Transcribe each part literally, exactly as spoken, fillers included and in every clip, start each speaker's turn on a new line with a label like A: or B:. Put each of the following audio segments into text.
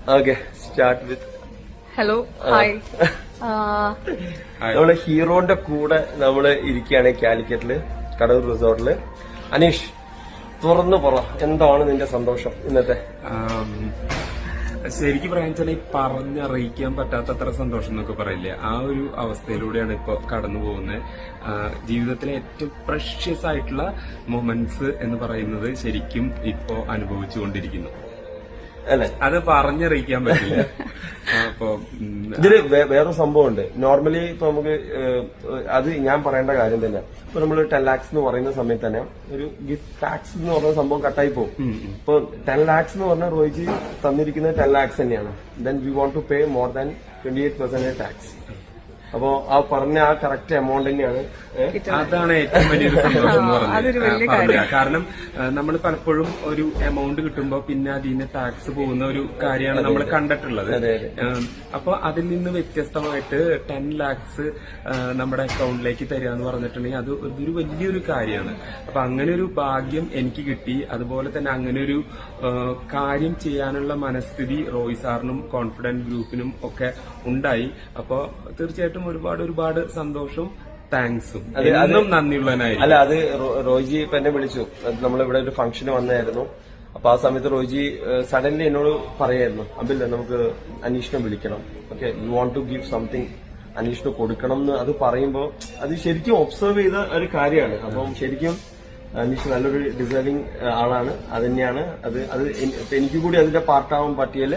A: Okay start with
B: hello hi.
A: നമ്മള് ഹീറോന്റെ കൂടെ നമ്മള് ഇരിക്കുകയാണ് കാലിക്കറ്റില് കടൂർ റിസോർട്ടില്. അനീഷ് തുറന്നു പറ, എന്താണ് നിന്റെ സന്തോഷം ഇന്നത്തെ?
C: ശരിക്കും പറയാൻ വെച്ചാൽ ഈ പറഞ്ഞറിയിക്കാൻ പറ്റാത്തത്ര സന്തോഷം എന്നൊക്കെ പറയില്ലേ, ആ ഒരു അവസ്ഥയിലൂടെയാണ് ഇപ്പൊ കടന്നു പോകുന്നത്. ജീവിതത്തിലെ ഏറ്റവും പ്രഷ്യസ് ആയിട്ടുള്ള മൊമെന്റ്സ് എന്ന് പറയുന്നത് ശരിക്കും ഇപ്പോ അനുഭവിച്ചുകൊണ്ടിരിക്കുന്നു.
A: അല്ലെ,
C: അത് പറഞ്ഞറിയിക്കാൻ പറ്റില്ല. അപ്പൊ
A: ഇതില് വേറൊരു സംഭവം ഉണ്ട്. നോർമലി ഇപ്പൊ നമുക്ക് അത് ഞാൻ പറയേണ്ട കാര്യം തന്നെ. ഇപ്പൊ നമ്മള് ടെൻ ലാക്സ് എന്ന് പറയുന്ന സമയത്ത് തന്നെ ഒരു ഗിഫ്റ്റ് ടാക്സ് എന്ന് പറയുന്ന സംഭവം കട്ടായി പോകും. ഇപ്പൊ ടെൻ ലാക്സ് എന്ന് പറഞ്ഞാൽ റോയിജി തന്നിരിക്കുന്നത് ടെൻ ലാക്സ് തന്നെയാണ്. Then we won't to pay more than twenty eight percentage tax. അപ്പോ ആ പറഞ്ഞ ആ കറക്റ്റ് എമൗണ്ട് തന്നെയാണ്.
C: അതാണ് ഏറ്റവും വലിയൊരു സന്തോഷം എന്ന് പറഞ്ഞത്. കാരണം നമ്മൾ പലപ്പോഴും ഒരു എമൗണ്ട് കിട്ടുമ്പോ പിന്നെ അതിന് ടാക്സ് പോകുന്ന ഒരു കാര്യമാണ് നമ്മൾ കണ്ടിട്ടുള്ളത്. അപ്പൊ അതിൽ നിന്ന് വ്യത്യസ്തമായിട്ട് ടെൻ ലാക്സ് നമ്മുടെ അക്കൗണ്ടിലേക്ക് തരിക എന്ന് പറഞ്ഞിട്ടുണ്ടെങ്കിൽ അത് ഒരു വലിയൊരു കാര്യമാണ്. അപ്പൊ അങ്ങനെ ഒരു ഭാഗ്യം എനിക്ക് കിട്ടി. അതുപോലെ തന്നെ അങ്ങനെ ഒരു കാര്യം ചെയ്യാനുള്ള മനസ്ഥിതി റോയ് സാറിനും കോൺഫിഡന്റ് ഗ്രൂപ്പിനും ഒക്കെ ഉണ്ടായി. അപ്പൊ തീർച്ചയായിട്ടും ഒരുപാട് ഒരുപാട് സന്തോഷവും താങ്ക്സും എന്നും നന്ദിയുള്ളവനായിരിക്കും.
A: അല്ല, അത് റോയിജി ഇപ്പൊ എന്നെ വിളിച്ചു. നമ്മളിവിടെ ഒരു ഫംഗ്ഷന് വന്നായിരുന്നു. അപ്പൊ ആ സമയത്ത് റോയിജി സഡൻലി എന്നോട് പറയായിരുന്നു, അബില്ല നമുക്ക് അനീഷിനെ വിളിക്കണം, okay you want to give something, അനീഷിന് കൊടുക്കണം എന്ന്. അത് പറയുമ്പോ അത് ശരിക്കും ഒബ്സർവ് ചെയ്ത ഒരു കാര്യമാണ്. അപ്പം ശരിക്കും അനീഷ് നല്ലൊരു ഡിസേർവിംഗ് ആളാണ്. അത് തന്നെയാണ് അത് അത് എനിക്ക് കൂടി അതിന്റെ പാർട്ടാവാൻ പറ്റിയല്ലേ.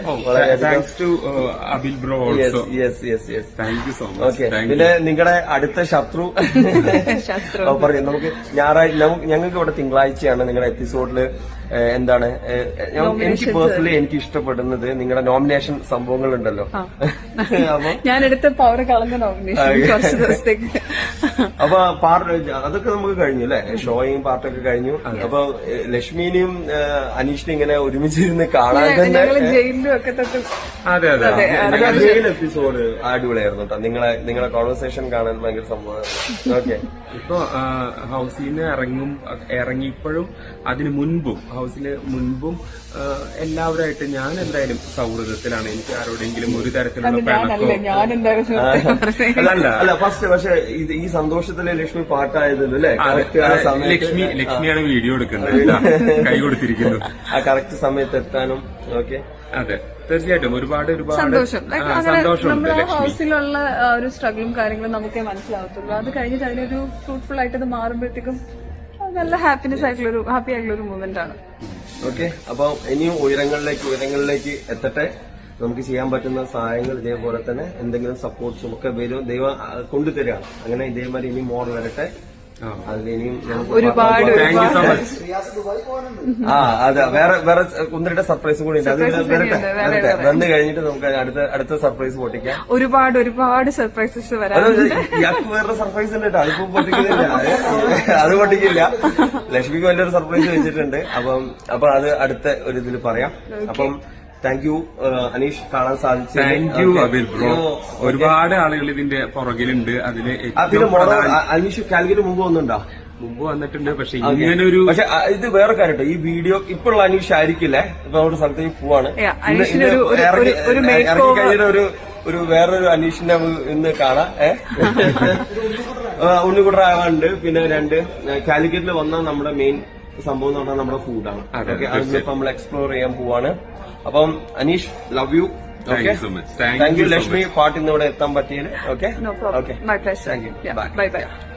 A: ഓക്കെ, പിന്നെ നിങ്ങളുടെ അടുത്ത ശത്രു പറയും. നമുക്ക് ഞായറാഴ്ച ഞങ്ങൾക്ക് ഇവിടെ തിങ്കളാഴ്ചയാണ് നിങ്ങളുടെ എപ്പിസോഡില് എന്താണ് എനിക്ക് പേഴ്സണലി എനിക്ക് ഇഷ്ടപ്പെടുന്നത് നിങ്ങളുടെ നോമിനേഷൻ സംഭവങ്ങൾ ഉണ്ടല്ലോ.
B: ഞാൻ എടുത്ത പവർ കളഞ്ഞ നോമിനേഷൻ
A: അപ്പൊ പാർട്ട് അതൊക്കെ നമുക്ക് കഴിഞ്ഞു അല്ലെ, ഷോയും പാർട്ടൊക്കെ കഴിഞ്ഞു. അപ്പൊ ലക്ഷ്മിനെയും അനീഷിനെയും ഇങ്ങനെ ഒരുമിച്ചിരുന്ന് കാണാൻ തന്നെ
C: അതെ അതെ
A: ജയിൽ എപ്പിസോഡ് അടിപൊളിയായിരുന്നു കേട്ടോ. നിങ്ങളെ നിങ്ങളെ കോൺവെർസേഷൻ കാണാൻ ഭയങ്കര സംഭവമായിരുന്നു. ഓക്കെ,
C: ഇപ്പൊ ഹൗസിൽ നിന്ന് ഇറങ്ങും ഇറങ്ങിയപ്പോഴും അതിന് മുൻപും ഹൗസിന് മുൻപും എല്ലാവരുമായിട്ട് ഞാൻ എന്തായാലും സൗഹൃദത്തിലാണ്. എനിക്ക് ആരോടെങ്കിലും ഒരു തരത്തിലുള്ള
A: അല്ല അല്ല ഫസ്റ്റ് പക്ഷെ ഈ സന്തോഷത്തിലെ ലക്ഷ്മി പാട്ടായതല്ലോ അല്ലെ.
C: ലക്ഷ്മി ലക്ഷ്മിയാണ് വീഡിയോ എടുക്കുന്നത്, കൈ കൊടുത്തിരിക്കുന്നു
A: ആ കറക്റ്റ് സമയത്ത് എത്താനും. ഓക്കെ,
C: അതെ തീർച്ചയായിട്ടും ഒരുപാട് ഒരുപാട്
B: സന്തോഷം.
C: സന്തോഷമുണ്ട്.
B: നമ്മുടെ ഹൗസിലുള്ള ഒരു സ്ട്രഗിളും കാര്യങ്ങളും നമുക്കേ മനസ്സിലാവത്തുള്ളൂ. അത് കഴിഞ്ഞിട്ട് അതിനൊരു ഫ്രൂട്ട്ഫുൾ ആയിട്ട് അത് മാറുമ്പോഴത്തേക്കും നല്ല ഹാപ്പിനെസ് ആയിട്ടുള്ള ഒരു ഹാപ്പി ആയിട്ടുള്ള ഒരു മൂവ്മെന്റ് ആണ്.
A: ഓക്കെ, അപ്പൊ ഇനിയും ഉയരങ്ങളിലേക്ക് ഉയരങ്ങളിലേക്ക് എത്തട്ടെ. നമുക്ക് ചെയ്യാൻ പറ്റുന്ന സഹായങ്ങൾ ഇതേപോലെ തന്നെ എന്തെങ്കിലും സപ്പോർട്ട്സും ഒക്കെ വരും, ദൈവം കൊണ്ടുതരികയാണ്. അങ്ങനെ ഇതേമാതിരി ഇനി മോർ വരട്ടെ. അതിലിനിയും
B: ഒരുപാട്
A: ആ അതെ വേറെ വേറെ ഒന്നിരുടെ സർപ്രൈസും കൂടി ഉണ്ട്. അത് വരട്ടെ വരട്ടെ വന്നു കഴിഞ്ഞിട്ട് നമുക്ക് അടുത്ത അടുത്ത സർപ്രൈസ് പൊട്ടിക്കാം.
B: ഒരുപാട് ഒരുപാട് സർപ്രൈസസ് വരാം.
A: ഇയാൾക്ക് വേറെ സർപ്രൈസ് ഉണ്ട് കേട്ടോ. അതിപ്പോ പൊട്ടിക്കുന്നില്ല, അത് പൊട്ടിക്കില്ല. ലക്ഷ്മിക്ക് വലിയൊരു സർപ്രൈസ് വെച്ചിട്ടുണ്ട്. അപ്പം അപ്പൊ അത് അടുത്ത ഒരു ഇതിൽ പറയാം. അപ്പം താങ്ക് യു അനീഷ്, കാണാൻ സാധിച്ചു.
C: Thank you Abil bro. ഒരുപാട് ആളുകൾ ഇതിന്റെ പുറകിലുണ്ട്. അതില്
A: അനീഷ് കാലിക്കറ്റ് മുമ്പ് വന്നിട്ടുണ്ടോ?
C: മുമ്പ് വന്നിട്ടുണ്ട്. പക്ഷെ ഇങ്ങനെ ഒരു
A: പക്ഷെ ഇത് വേറെ കാര്യം, ഈ വീഡിയോ ഇപ്പോഴുള്ള അനീഷ് ആയിരിക്കില്ലേ. ഇപ്പൊ നമ്മുടെ സ്ഥലത്തേക്ക് പോവാണ്. ഇറങ്ങി കഴിഞ്ഞിട്ട് ഒരു ഒരു വേറൊരു അനീഷിനെ ഇന്ന് കാണാം. ഏഹ് ഉണ്ണിക്കുട്ടറാകാനുണ്ട്. പിന്നെ രണ്ട് കാലിക്കറ്റിൽ വന്ന നമ്മുടെ മെയിൻ സംഭവം എന്ന് പറഞ്ഞാൽ നമ്മുടെ ഫുഡാണ്. ഓക്കെ, അതിപ്പോ നമ്മൾ എക്സ്പ്ലോർ ചെയ്യാൻ പോവാണ്. അപ്പം Aneesh love you. Okay, thank you Lakshmi പാട്ട് ഇന്ന് ഇവിടെ എത്താൻ പറ്റിയത്. Okay okay,
B: bye by.